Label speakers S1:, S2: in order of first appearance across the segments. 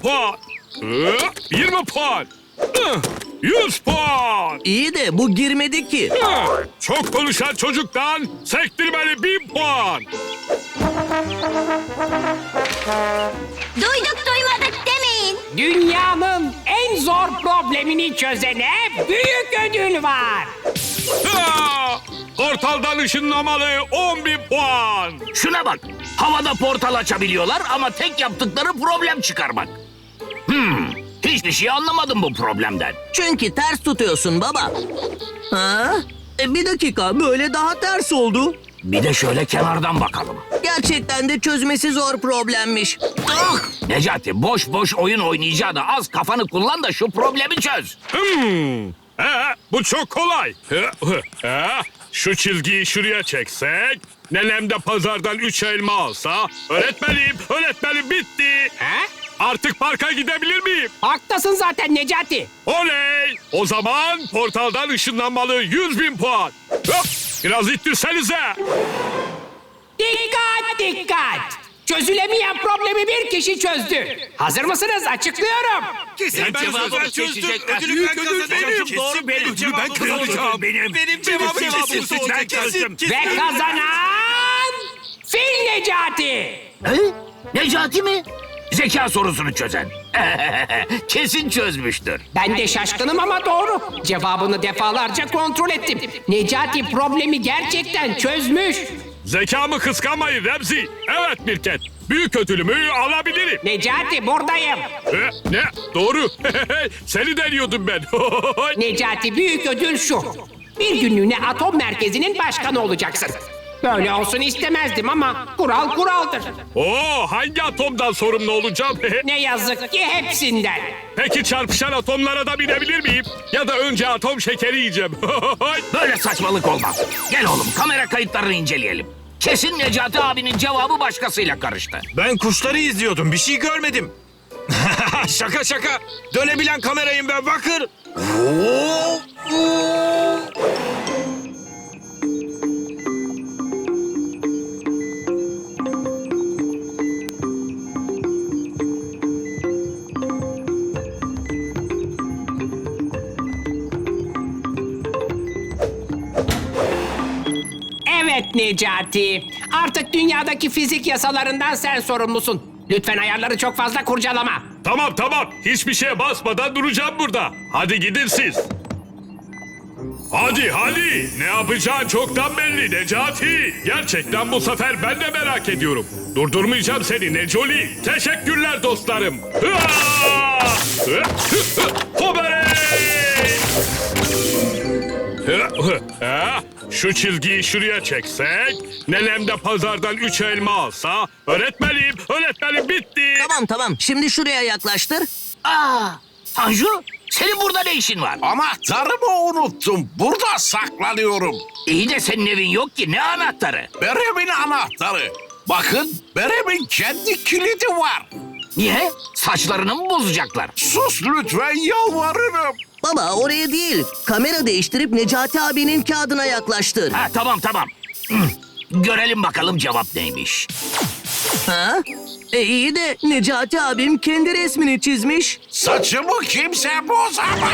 S1: puan. 20 puan. 100 puan.
S2: İyi de bu girmedi ki.
S1: Çok konuşan çocuktan sektirmeli 1000 puan.
S3: Duyduk duymadık demeyin.
S4: Dünyanın en zor problemini çözene büyük ödül var.
S1: Portaldan ışınlamalı 10.000 puan.
S5: Şuna bak. Havada portal açabiliyorlar ama tek yaptıkları problem çıkarmak. Hiçbir şey anlamadım bu problemden.
S2: Çünkü ters tutuyorsun baba. Ha? Bir dakika, böyle daha ters oldu.
S5: Bir de şöyle kenardan bakalım.
S2: Gerçekten de çözmesi zor problemmiş.
S5: Necati boş boş oyun oynayacağına az kafanı kullan da şu problemi çöz.
S1: Bu çok kolay. Şu çizgiyi şuraya çeksek, nenem de pazardan 3 elma alsa, öğretmenim bitti. Artık parka gidebilir miyim?
S4: Haklısın zaten Necati.
S1: Oley! O zaman portaldan ışınlanmalı 100.000 puan. Hop! Biraz ittirsenize.
S4: Dikkat dikkat. Çözülemeyen problemi bir kişi çözdü. Hazır mısınız? Açıklıyorum.
S6: Kesin ben cevabı çözdüm. Ödülü ben kazanacağım. Doğru benim. Ödülü ben kazanacağım. Benim cevabım kesin. Ben kesin.
S4: Ve kazanan Fil Necati.
S5: Necati mi? Zeka sorusunu çözen. Kesin çözmüştür.
S4: Ben de şaşkınım ama doğru. Cevabını defalarca kontrol ettim. Necati problemi gerçekten çözmüş.
S1: Zekamı kıskanmayın Remzi. Evet Mirket. Büyük ödülümü alabilirim.
S4: Necati buradayım.
S1: Ne? Doğru. Seni deniyordum ben.
S4: Necati büyük ödül şu. Bir günlüğüne atom merkezinin başkanı olacaksın. Böyle olsun istemezdim ama kural kuraldır.
S1: Hangi atomdan sorumlu olacağım?
S4: Ne yazık ki hepsinden.
S1: Peki çarpışan atomlara da binebilir miyim? Ya da önce atom şekeri yiyeceğim.
S5: Böyle saçmalık olmaz. Gel oğlum kamera kayıtlarını inceleyelim. Kesin Necati abinin cevabı başkasıyla karıştı.
S6: Ben kuşları izliyordum. Bir şey görmedim. Şaka. Dönebilen kamerayım ben bakır.
S4: Evet Necati. Artık dünyadaki fizik yasalarından sen sorumlusun. Lütfen ayarları çok fazla kurcalama.
S1: Tamam. Hiçbir şeye basmadan duracağım burada. Hadi gidin siz. Hadi. Ne yapacağın çoktan belli Necati. Gerçekten bu sefer ben de merak ediyorum. Durdurmayacağım seni Necoli. Teşekkürler dostlarım. Hoberey! Şu çizgiyi şuraya çeksek, nenem de pazardan 3 elma alsa, öğretmenim bitti.
S2: Tamam. Şimdi şuraya yaklaştır.
S5: Tanju senin burada ne işin var?
S7: Anahtarımı unuttum. Burada saklanıyorum.
S5: İyi de senin evin yok ki ne anahtarı?
S7: Berem'in anahtarı. Bakın Berem'in kendi kilidi var.
S5: Niye? Saçlarını mı bozacaklar?
S7: Sus lütfen yalvarırım.
S2: Baba oraya değil. Kamera değiştirip Necati abinin kağıdına yaklaştır.
S5: Ha tamam. Görelim bakalım cevap neymiş.
S2: Ha? İyi de Necati abim kendi resmini çizmiş.
S7: Saçımı kimse bozamaz.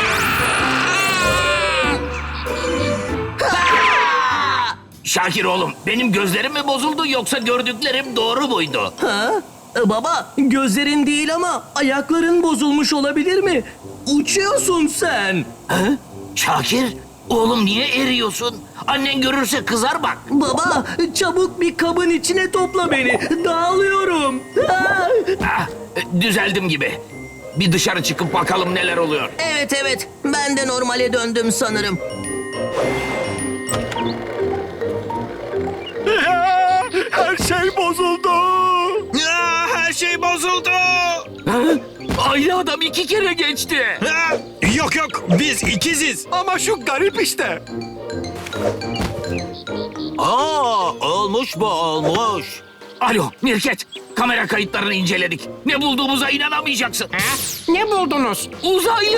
S5: Şakir oğlum benim gözlerim mi bozuldu yoksa gördüklerim doğru muydu?
S2: Ha? Baba gözlerin değil ama ayakların bozulmuş olabilir mi? Uçuyorsun sen.
S5: Şakir oğlum niye eriyorsun? Annen görürse kızar bak.
S2: Baba çabuk bir kabın içine topla beni. Dağılıyorum.
S5: Düzeldim gibi. Bir dışarı çıkıp bakalım neler oluyor.
S2: Evet. Ben de normale döndüm sanırım.
S1: Her şey bozuldu.
S6: Her şey bozuldu.
S5: Aynı adam 2 kere geçti.
S6: Yok biz ikiziz.
S1: Ama şu garip işte.
S5: Olmuş. Alo Mirket, kamera kayıtlarını inceledik. Ne bulduğumuza inanamayacaksın.
S4: Ne buldunuz?
S5: Uzaylı!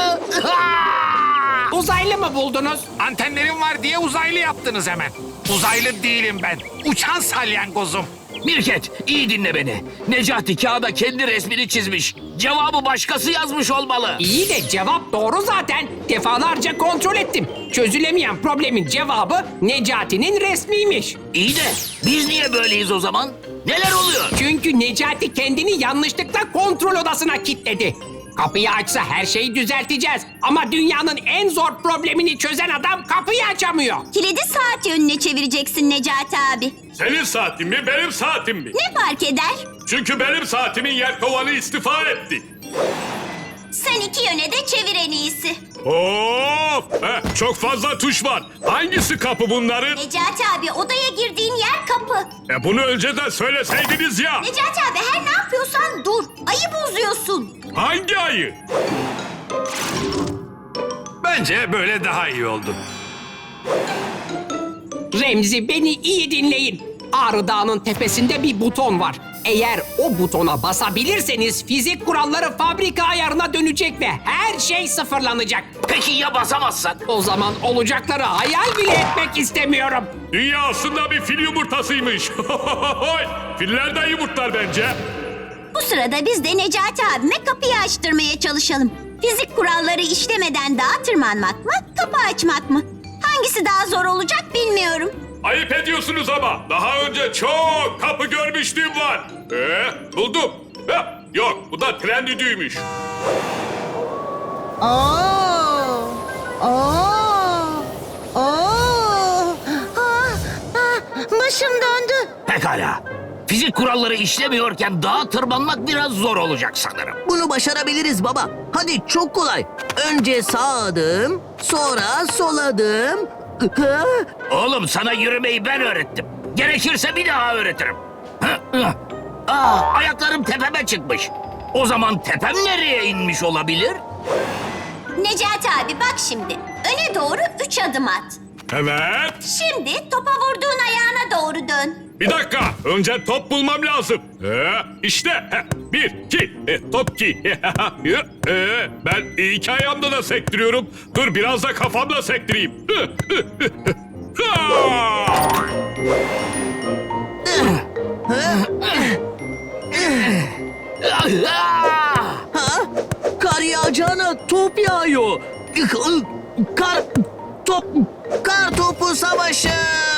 S4: Uzaylı mı buldunuz?
S8: Antenlerim var diye uzaylı yaptınız hemen. Uzaylı değilim ben. Uçan salyangozum.
S5: Mirket, iyi dinle beni. Necati kağıda kendi resmini çizmiş. Cevabı başkası yazmış olmalı.
S4: İyi de cevap doğru zaten. Defalarca kontrol ettim. Çözülemeyen problemin cevabı Necati'nin resmiymiş.
S5: İyi de biz niye böyleyiz o zaman? Neler oluyor?
S4: Çünkü Necati kendini yanlışlıkla kontrol odasına kilitledi. Kapıyı açsa her şeyi düzelteceğiz. Ama dünyanın en zor problemini çözen adam kapıyı açamıyor.
S3: Kilidi saat yönüne çevireceksin Necati abi.
S1: Senin saatin mi, benim saatim mi?
S3: Ne fark eder?
S1: Çünkü benim saatimin yelkovanı istifa etti.
S3: Sen iki yöne de çevir en iyisi.
S1: Of! Çok fazla tuş var. Hangisi kapı bunların?
S3: Necati abi odaya girdiğin yer kapı.
S1: Bunu önceden söyleseydiniz ya.
S3: Necati abi her ne yapıyorsan dur. Ayı bozuyorsun.
S1: Hangi ayı?
S6: Bence böyle daha iyi oldu.
S4: Remzi, beni iyi dinleyin. Ağrı Dağı'nın tepesinde bir buton var. Eğer o butona basabilirseniz fizik kuralları fabrika ayarına dönecek ve her şey sıfırlanacak.
S5: Peki ya basamazsak?
S4: O zaman olacakları hayal bile etmek istemiyorum.
S1: Dünya aslında bir fil yumurtasıymış. Filler de yumurtlar bence.
S3: Bu sırada biz de Necati abime kapıyı açtırmaya çalışalım. Fizik kuralları işlemeden dağa tırmanmak mı, kapı açmak mı? Hangisi daha zor olacak bilmiyorum.
S1: Ayıp ediyorsunuz ama. Daha önce çok kapı görmüşlüğüm var. Buldum. Yok, bu da tren düdüğüymüş.
S3: Başım döndü.
S5: Pekala. Fizik kuralları işlemiyorken dağa tırmanmak biraz zor olacak sanırım.
S2: Bunu başarabiliriz baba. Hadi çok kolay. Önce sağ adım, sonra sol adım. Ha?
S5: Oğlum sana yürümeyi ben öğrettim. Gerekirse bir daha öğretirim. Ayaklarım tepeme çıkmış. O zaman tepem nereye inmiş olabilir?
S3: Necati abi bak şimdi. Öne doğru 3 adım at.
S1: Evet.
S3: Şimdi topa vurduğun ayağına doğru dön.
S1: Bir dakika. Önce top bulmam lazım. İşte. Bir, iki. Top ki. Ben iki ayağımda da sektiriyorum. Dur biraz da kafamla sektireyim.
S2: Ha? Kar yağacağına top yağıyor. Kar topu savaşı.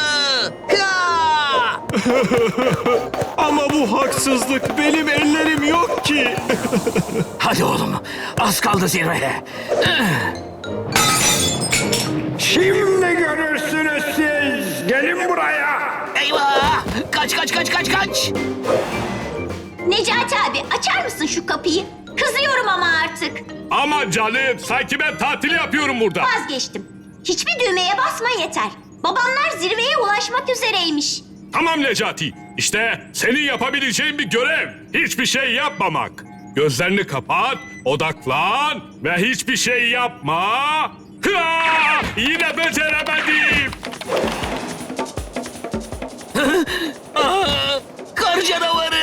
S2: Ha!
S6: Ama bu haksızlık. Benim ellerim yok ki.
S5: Hadi oğlum. Az kaldı zirveye.
S8: Şimdi görürsünüz siz. Gelin buraya.
S5: Eyvah! Kaç!
S3: Necati abi açar mısın şu kapıyı? Kızıyorum ama artık.
S1: Ama canım sanki ben tatil yapıyorum burada.
S3: Vazgeçtim. Hiçbir düğmeye basma yeter. Babamlar zirveye ulaşmak üzereymiş.
S1: Tamam Necati. İşte senin yapabileceğin bir görev. Hiçbir şey yapmamak. Gözlerini kapat, odaklan ve hiçbir şey yapma. Yine beceremedim.
S5: Kar canavarı!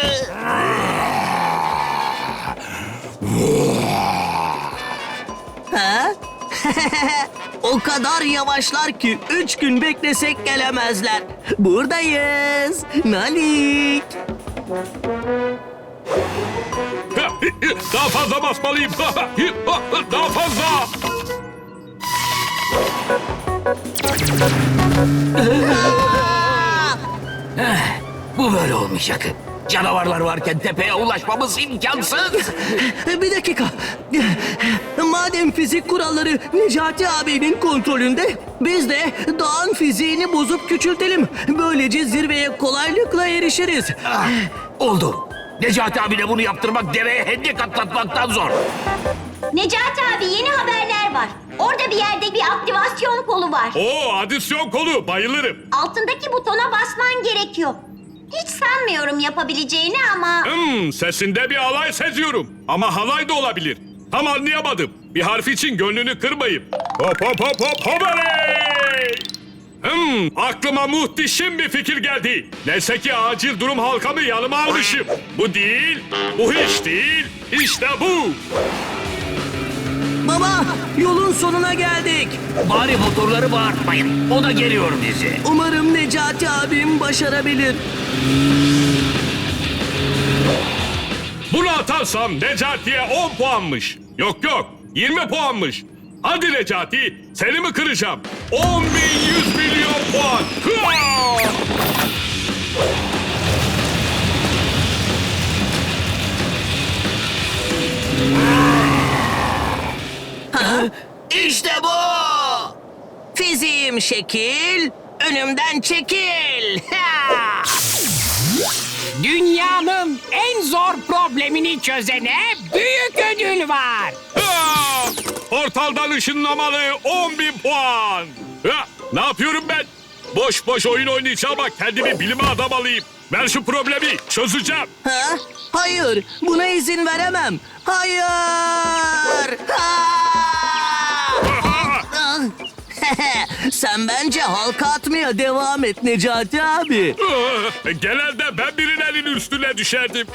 S2: Ha? O kadar yavaşlar ki 3 gün beklesek gelemezler. Buradayız. Nalik.
S1: Daha fazla basmalıyım. Daha fazla.
S5: Bu böyle olmayacak. Canavarlar varken tepeye ulaşmamız imkansız.
S2: Bir dakika. Madem fizik kuralları Necati abinin kontrolünde, biz de dağın fiziğini bozup küçültelim. Böylece zirveye kolaylıkla erişiriz.
S5: Oldu. Necati abine bunu yaptırmak deveye hendek atlatmaktan zor.
S3: Necati abi yeni haberler var. Orada bir yerde bir aktivasyon kolu var.
S1: Adisyon kolu. Bayılırım.
S3: Altındaki butona basman gerekiyor. Hiç sanmıyorum yapabileceğini ama...
S1: Sesinde bir alay seziyorum. Ama halay da olabilir. Tam anlayamadım. Bir harf için gönlünü kırmayayım. Hop hop hop hop hoparey! Aklıma muhteşem bir fikir geldi. Neyse ki acil durum halkamı yanıma almışım. Bu değil, bu hiç değil. İşte bu.
S2: Baba, yolun sonuna geldik.
S5: Bari motorları bağırtmayın. O da geliyor bizi.
S2: Umarım Necati abim başarabilir.
S1: Bunu atarsam Necati'ye 10 puanmış. Yok 20 puanmış. Hadi Necati, seni mi kıracağım? 10.100 milyon puan. Hıa!
S5: İşte bu.
S2: Fiziğim şekil, önümden çekil. Ha!
S4: Dünyanın en zor problemini çözene büyük ödül var.
S1: Hıa! Portaldan ışınlamalı 10.000 puan. Hıa! Ne yapıyorum ben? Boş boş oyun oynayacağım ama kendimi bilime adamalıyım. Ver şu problemi, çözeceğim.
S2: Ha? Hayır, buna izin veremem. Hayır! Ha! Ah! Sen bence halka atmaya devam et Necati abi.
S1: Genelde ben birilerinin üstüne düşerdim.